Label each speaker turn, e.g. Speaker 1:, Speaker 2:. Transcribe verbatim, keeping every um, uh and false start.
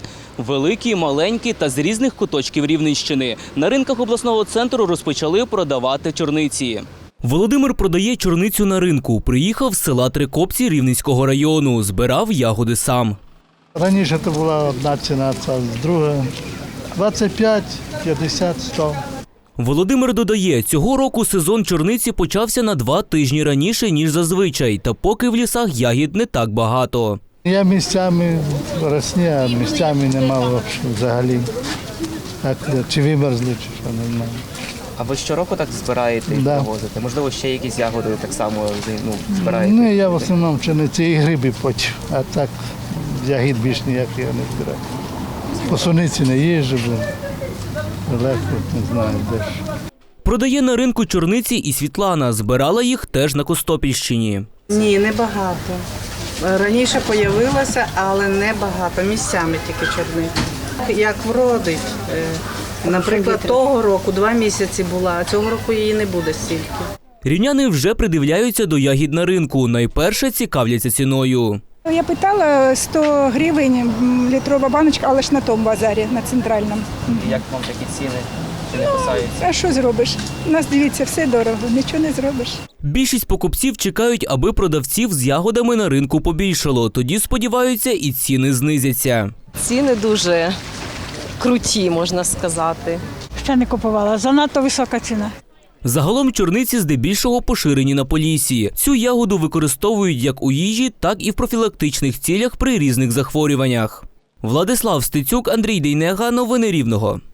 Speaker 1: Великі, маленькі та з різних куточків Рівненщини. На ринках обласного центру розпочали продавати чорниці. Володимир продає чорницю на ринку. Приїхав з села Трикопці Рівненського району. Збирав ягоди сам.
Speaker 2: Раніше це була одна ціна, це друга двадцять п'ять, п'ятдесят, сто.
Speaker 1: Володимир додає, цього року сезон чорниці почався на два тижні раніше, ніж зазвичай. Та поки в лісах ягід не так багато.
Speaker 2: Я місцями росні, а місцями немає взагалі. Так, чи вимерзли, чи що, не знаю.
Speaker 1: А ви щороку так збираєте і
Speaker 2: Да.
Speaker 1: привозите? Можливо, ще якісь ягоди так само ну, збираєте?
Speaker 2: Ну, я в основному пшениці і гриби потім, а так ягід більш ніяких я не збираю. По суниці не їжджу, бо легко, не знаю, де ж.
Speaker 1: Продає на ринку чорниці і Світлана. Збирала їх теж на Костопільщині.
Speaker 3: Ні, небагато. Раніше з'явилося, але небагато. Місцями тільки чорниці. Як вродить. Е, Наприклад, того року два місяці була, а цього року її не буде стільки.
Speaker 1: Рівняни вже придивляються до ягід на ринку. Найперше цікавляться ціною.
Speaker 4: Я питала сто гривень літрова баночка, але ж на тому базарі, на центральному.
Speaker 1: Як вам такі ціни? Чи не кусаються?
Speaker 4: А що зробиш? У нас, дивіться, все дорого, нічого не зробиш.
Speaker 1: Більшість покупців чекають, аби продавців з ягодами на ринку побільшало. Тоді, сподіваються, і ціни знизяться.
Speaker 5: Ціни дуже круті, можна сказати.
Speaker 4: Ще не купувала, занадто висока ціна.
Speaker 1: Загалом чорниці здебільшого поширені на Поліссі. Цю ягоду використовують як у їжі, так і в профілактичних цілях при різних захворюваннях. Владислав Стецюк, Андрій Дейнега. Новини Рівного.